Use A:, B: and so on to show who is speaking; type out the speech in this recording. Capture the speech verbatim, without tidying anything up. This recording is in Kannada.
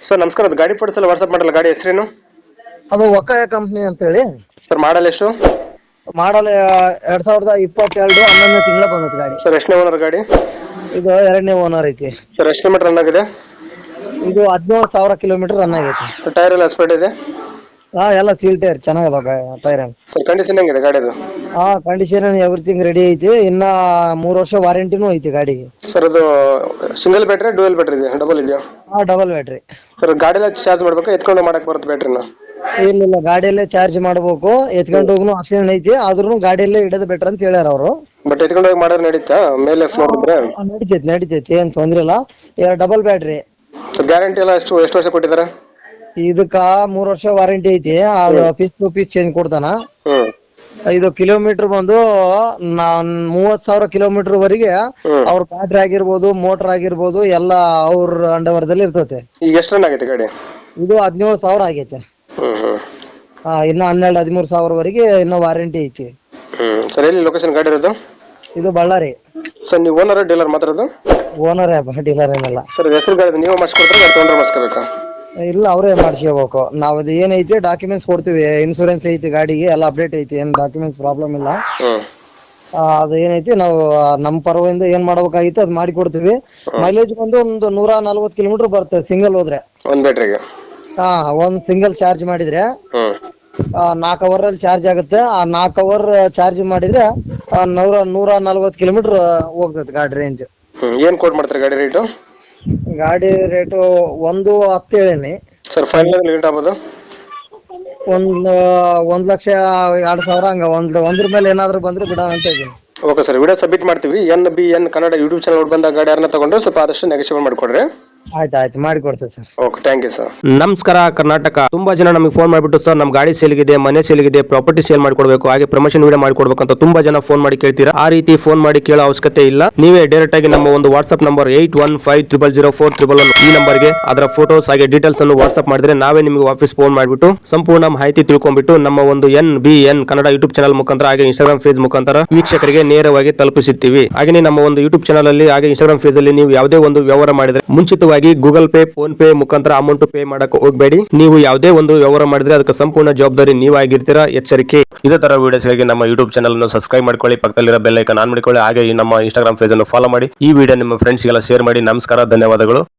A: ಸರ್ ನಮಸ್ಕಾರ, ಅದು ಗಾಡಿ ಫೋಟೋಸ್ ಎಲ್ಲ ವಾಟ್ಸ್ಆಪ್ ಮಾಡಲ್ಲ, ಗಾಡಿ ಹೆಸರೇನು?
B: ಅದು ಒಕ್ಕಾಯ ಕಂಪ್ನಿ ಅಂತೇಳಿ.
A: ಸರ್ ಮಾಡಲ್ ಎಷ್ಟು?
B: ಮಾಡಲ್ ಎರಡ್ ಸಾವಿರದ ಇಪ್ಪತ್ತೆರಡು ಹನ್ನೊಂದನೇ ತಿಂಗಳ ಬಂದೈತಿ ಗಾಡಿ.
A: ಸರ್ ಎಷ್ಟನೇ ಓನರ್ ಗಾಡಿ?
B: ಇದು ಎರಡನೇ ಓನರ್ ಐತಿ.
A: ಸರ್ ಎಷ್ಟು ಕಿಲೋಮೀಟರ್ ರನ್ ಆಗಿದೆ?
B: ಇದು ಹದಿನೇಳು ಸಾವಿರ ಕಿಲೋಮೀಟರ್ ರನ್ ಆಗೈತಿ.
A: ಸರ್ ಟೈರ್ ಎಲ್ಲ ಸ್ಪೀಡ್ ಇದೆ?
B: ಹಾ, ಎಲ್ಲ ಸೀಲ್ ಟೈರ್ ಚೆನ್ನಾಗದ ಟೈರ್.
A: ಸರ್ ಕಂಡೀಷನ್ ಹೆಂಗಿದೆ ಗಾಡಿದು?
B: ಹಾ, ಕಂಡೀಷನ್ ಎವ್ರಿಥಿಂಗ್ ರೆಡಿ ಐತಿ. ಇನ್ನ ಮೂರ್ ವರ್ಷ ವಾರಂಟಿನೂ ಐತಿ ಗಾಡಿಗೆ.
A: ಸರ್ ಅದು ಸಿಂಗಲ್ ಬ್ಯಾಟ್ರಿ ಡ್ಯೂಯಲ್ ಬ್ಯಾಟ್ರಿ ಇದೆಯಾ, ಡಬಲ್ ಇದೆಯಾ?
B: ಹಾ, ಡಬಲ್ ಬ್ಯಾಟ್ರಿ.
A: ಸರ್ ಗಾಡಿ ಎಲ್ಲ ಚಾರ್ಜ್ ಮಾಡ್ಬೇಕಾ, ಎತ್ಕೊಂಡು ಮಾಡಕ್ ಬರುತ್ತೆ ಬ್ಯಾಟ್ರಿನ?
B: ಇಲ್ಲ ಇಲ್ಲ, ಗಾಡಿಯಲ್ಲೇ ಚಾರ್ಜ್ ಮಾಡ್ಬೇಕು. ಎತ್ಕೊಂಡು ಹೋಗ್ನು ಆಪ್ಷನ್ ಐತಿ, ಆದ್ರೂ ಗಾಡಿಯಲ್ಲೇ ಇಡೋದು ಬೆಟರ್ ಅಂತ ಹೇಳ್ಯಾರ ಅವರು.
A: ಬಟ್ ಎತ್ಕೊಂಡು ಹೋಗಿ ಮಾಡೋದು ನಡೀತಾ ಮೇಲೆ ಫ್ಲೋರ್ ಇದ್ರೆ?
B: ನಡಿತೈತಿ ನಡಿತೈತಿ, ಏನ್ ತೊಂದ್ರೆ ಇಲ್ಲ. ಎರಡು ಡಬಲ್ ಬ್ಯಾಟ್ರಿ.
A: ಸರ್ ಗ್ಯಾರಂಟಿ ಎಲ್ಲ ಎಷ್ಟು ಎಷ್ಟು ವರ್ಷ ಕೊಟ್ಟಿದ್ದಾರೆ?
B: ಇದಕ್ಕ ಮೂರ್ ವರ್ಷ ವಾರಂಟಿ ಐತಿ. ಪೀಸ್ ಟು ಪೀಸ್ ಚೇಂಜ್ ಕೊಡ್ತಾನ.
A: ಹ್ಮ್
B: ಇದು ಕಿಲೋಮೀಟರ್ ಬಂದು ನಾನ್ ಮೂವತ್ ಸಾವಿರ ಕಿಲೋಮೀಟರ್ ವರೆಗೆ ಅವ್ರ ಬ್ಯಾಟ್ರಿ ಆಗಿರ್ಬೋದು, ಮೋಟರ್ ಆಗಿರ್ಬೋದು, ಎಲ್ಲ ಅವ್ರ ಅಂಡರ್ವರ್ದಲ್ಲಿ ಇರ್ತೈತೆ.
A: ಈಗ ಎಷ್ಟು ರನ್ ಆಗೈತೆ ಗಾಡಿ?
B: ಇದು ಹದಿನೇಳು ಸಾವಿರ ಆಗೈತೆ.
A: ಹ್ಮ್ ಹ್ಮ್
B: ಹಾ, ಇನ್ನ ಹನ್ನೆರಡು ಹದಿಮೂರು ಸಾವಿರವರೆಗೆ ಇನ್ನ ವಾರಂಟಿ ಐತಿ.
A: ಹ್ಮ್ ಸರ್ ಎಲ್ಲಿ ಲೊಕೇಶನ್ ಗಾಡಿ ಇರೋದು?
B: ಇದು ಬಳ್ಳಾರಿ.
A: ಸರ್ ನೀವು ಓನರ್ ಡೀಲರ್ ಮಾತಾಡೋದು?
B: ಓನರ್ ಡೀಲರ್ ಏನಲ್ಲ
A: ಸರ್ ಹೆಸರು ಗಾಡಿ ನೀವು ಮಾಡಿಸ್ಕೊಡ್ತಾರೆ, ಗಾಡಿ ತೊಗೊಂಡ್ರೆ ಮಾಡಿಸ್ಕೋಬೇಕಾ?
B: ಇಲ್ಲ, ಅವರೇ ಮಾಡಿಸ್ಕೋಬೇಕು. ನಾವ್ ಅದು ಏನೈತಿ ಡಾಕ್ಯುಮೆಂಟ್ಸ್ ಕೊಡ್ತೀವಿ. ಇನ್ಸೂರೆನ್ಸ್ ಐತಿ ಗಾಡಿಗೆ, ಎಲ್ಲ ಅಪ್ಡೇಟ್ ಐತಿ, ಏನ್ ಡಾಕ್ಯುಮೆಂಟ್ಸ್ ಪ್ರಾಬ್ಲಮ್ ಇಲ್ಲ.
A: ಹ್ಮ್
B: ಆ, ಅದು ಏನೈತಿ ನಾವು ನಮ್ಮ ಪರವಾಗಿ ಏನ್ ಮಾಡ್ಬೇಕಾಗಿತ್ತು ಅದು ಮಾಡಿ ಕೊಡ್ತೀವಿ. ಮೈಲೇಜ್ ಬಂದು ಒಂದು ನೂರ ನಲ್ವತ್ತು ಕಿಲೋಮೀಟರ್ ಬರುತ್ತೆ ಸಿಂಗಲ್ ಹೋದ್ರೆ.
A: ಒಂದ್ ಬ್ಯಾಟ್ರಿಗೆ?
B: ಹಾ, ಒಂದ್ ಸಿಂಗಲ್ ಚಾರ್ಜ್ ಮಾಡಿದ್ರೆ
A: ಹ್ಮ್
B: ನಾಲ್ಕು ಅವರ್ ಅಲ್ಲಿ ಚಾರ್ಜ್ ಆಗುತ್ತೆ. ಆ ನಾಲ್ಕು ಅವರ್ ಚಾರ್ಜ್ ಮಾಡಿದ್ರೆ ಆ, ನೂರ ನೂರ ನಲ್ವತ್ತು ಕಿಲೋಮೀಟರ್ ಹೋಗ್ತದೆ ಗಾಡಿ ರೇಂಜ್.
A: ಹ್ಮ್ ಏನ್ ಕೋಟ್ ಮಾಡ್ತಾರೆ ಗಾಡಿ ರೇಟು?
B: ಗಾಡಿ ರೇಟು ಒಂದು ಹತ್ತು ಹೇಳೀನಿ.
A: ಸರ್ ಫೈನಲ್ ರೇಟ್ ಆಗ್ಬೋದು?
B: ಒಂದ್ ಒಂದ್ ಲಕ್ಷ ಎರಡ್ ಸಾವಿರ ಹಂಗ ಒಂದ್ ಒಂದ್ರ ಮೇಲೆ ಏನಾದ್ರು ಬಂದ್ರೆ ಬಿಡ ಅಂತ ಇದೀನಿ.
A: ಓಕೆ ಸರ್, ವಿಡಿಯೋ ಸಬ್ಮಿಟ್ ಮಾಡ್ತೀವಿ. N B N Kannada YouTube channel ಬಂದ ಗಾಡಿ ಯಾರನ್ನ ತಗೊಂಡ್ರೆ ಸ್ವಲ್ಪ ಆದಷ್ಟು ನೆಗೋಷಿಯೇಟ್ ಮಾಡಿಕೊಡ್ರಿ.
B: ಆಯ್ತು ಆಯ್ತು, ಮಾಡಿ ಕೊಡ್ತೇವೆ sir.
A: Okay, thank you sir.
C: ನಮಸ್ಕಾರ ಕರ್ನಾಟಕ. ತುಂಬಾ ಜನ ನಮಗೆ ಫೋನ್ ಮಾಡಿಬಿಟ್ಟು ಸರ್ ನಮ್ಮ ಗಾಡಿ ಸೇಲ್ಗಿದೆ, ಮನೆ ಸೇಲ್ಗಿದೆ, ಪ್ರಾಪರ್ಟಿ ಸೇಲ್ ಮಾಡ್ಕೊಡ್ಬೇಕು, ಹಾಗೆ ಪ್ರಮೋಷನ್ ವಿಡಿಯೋ ಮಾಡ್ಕೊಡ್ಬೇಕು ಅಂತ ತುಂಬಾ ಜನ ಫೋನ್ ಮಾಡಿ ಕೇಳ್ತೀರಾ. ಆ ರೀತಿ ಫೋನ್ ಮಾಡಿ ಕೇಳೋ ಅವಶ್ಯಕತೆ ಇಲ್ಲ. ನೀವೇ ಡೈರೆಕ್ಟ್ ಆಗಿ ನಮ್ಮ ಒಂದು WhatsApp number eight one five triple zero four triple one ಈ ನಂಬರ್ಗೆ ಅದರ ಫೋಟೋಸ್ ಹಾಗೆ ಡೀಟೇಲ್ಸ್ ಅನ್ನು ವಾಟ್ಸ್ಆಪ್ ಮಾಡಿದ್ರೆ ನಾವೇ ನಿಮಗೆ ವಾಪಸ್ ಫೋನ್ ಮಾಡಿಬಿಟ್ಟು ಸಂಪೂರ್ಣ ಮಾಹಿತಿ ತಿಳ್ಕೊಂಡ್ಬಿಟ್ಟು ನಮ್ಮ ಒಂದು N B N Kannada YouTube channel ಮುಖಾಂತರ ಹಾಗೆ ಇನ್ಸ್ಟಾಗ್ರಾಮ್ ಪೇಜ್ ಮುಖಾಂತರ ವೀಕ್ಷಕರಿಗೆ ನೇರವಾಗಿ ತಲುಪಿಸುತ್ತೀವಿ. ಹಾಗೆ ನಮ್ಮ ಒಂದು ಯೂಟ್ಯೂಬ್ ಚಾನಲ್ ಅಲ್ಲಿ ಹಾಗೆ ಇನ್ಸ್ಟಾಗ್ರಾಮ್ ಪೇಜ್ ಅಲ್ಲಿ ನೀವು ಯಾವುದೇ ಒಂದು ವ್ಯವಹಾರ ಮಾಡಿದ್ರೆ ಮುಂಚಿತವಾಗಿ ಗೂಗಲ್ ಪೇ, ಫೋನ್ ಪೇ ಮುಖಾಂತರ ಅಮೌಂಟ್ ಪೇ ಮಾಡಕ್ಕೆ ಹೋಗಬೇಡಿ. ನೀವು ಯಾವುದೇ ಒಂದು ವ್ಯವಹಾರ ಮಾಡಿದ್ರೆ ಅದಕ್ಕೆ ಸಂಪೂರ್ಣ ಜವಾಬ್ದಾರಿ ನೀವಾಗಿರ್ತೀರಾ, ಎಚ್ಚರಿಕೆ. ಇದೇ ತರ ವಿಡಿಯೋಸ್ಗಾಗಿ ನಮ್ಮ ಯೂಟ್ಯೂಬ್ ಚಾನಲ್ ಅನ್ನು ಸಬ್ಸ್ಕ್ರೈಬ್ ಮಾಡ್ಕೊಳ್ಳಿ, ಪಕ್ಕದಲ್ಲಿರೋ ಬೆಲ್ ಐಕಾನ್ ಆನ್ ಮಾಡಿಕೊಳ್ಳಿ, ಹಾಗೆ ನಮ್ಮ ಇನ್ಸ್ಟಾಗ್ರಾಮ್ ಪೇಜ್ ಅನ್ನು ಫಾಲೋ ಮಾಡಿ. ಈ ವಿಡಿಯೋ ನಿಮ್ಮ ಫ್ರೆಂಡ್ಸ್ಗೆಲ್ಲ ಶೇರ್ ಮಾಡಿ. ನಮಸ್ಕಾರ, ಧನ್ಯವಾದಗಳು.